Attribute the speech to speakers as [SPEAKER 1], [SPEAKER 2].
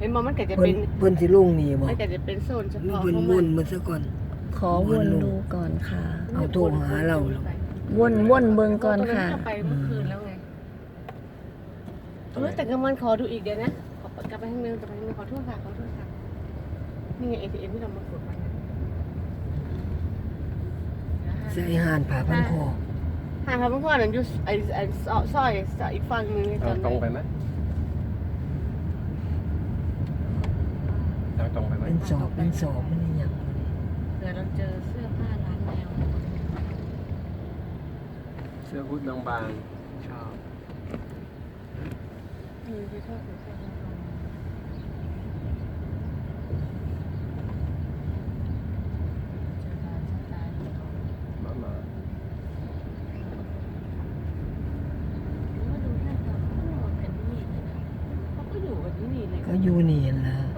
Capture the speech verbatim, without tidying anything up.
[SPEAKER 1] เห็นบ่มันก็จะ
[SPEAKER 2] เพิ่
[SPEAKER 1] เป็น น
[SPEAKER 2] เพิ่นสิลงนี่บ่
[SPEAKER 1] มันก็จะเป็นโซนเฉ
[SPEAKER 2] หรือ
[SPEAKER 1] พาะ
[SPEAKER 2] เพิ่น
[SPEAKER 1] ของ
[SPEAKER 2] ว
[SPEAKER 1] มัน
[SPEAKER 2] นมาซะก่อน
[SPEAKER 3] ขอวนดูก่อนค่ะ
[SPEAKER 2] เอาโทรหาเราเหรอ
[SPEAKER 3] วนวนเบิ่งก่อนค่ะ
[SPEAKER 1] ตรงไปเมื่อคืนแล้วไงเออแต่กลางวันขอดูอีกเดี๋ยวนะขอกลับไปทางนึงกลับไปทางนึงขอโทษค่ะขอโทษค่ะนี่ไง เอ ที เอ็ม ที่เรามากดไว้นะ
[SPEAKER 2] ใส่ห่านผ่าพันคอ
[SPEAKER 1] ห่างครับเมื่อวานนั้นอยู่ไอ้ไอ้ซอยซอยอีกฝั่งนึง
[SPEAKER 4] ทางตรงไปไหมทางตรงไปไหม
[SPEAKER 2] เป็นสอบเป็นสอบมันอีหยัง
[SPEAKER 1] เผื่อเราเจอเสื้อผ้าร้านแนว
[SPEAKER 4] เสื้อฮู้ดบางๆชอบ
[SPEAKER 1] อืมที่ชอบเสื้อผ้าร้านแนวเจอร้านสไตล์ของเขา
[SPEAKER 4] มามา
[SPEAKER 1] ว่าดูท่าทางเขาก็นอนกันที่นี่เลยนะเขาก็อยู่กันที่นี่เลย
[SPEAKER 2] ก็อยู่นี่ล่ะ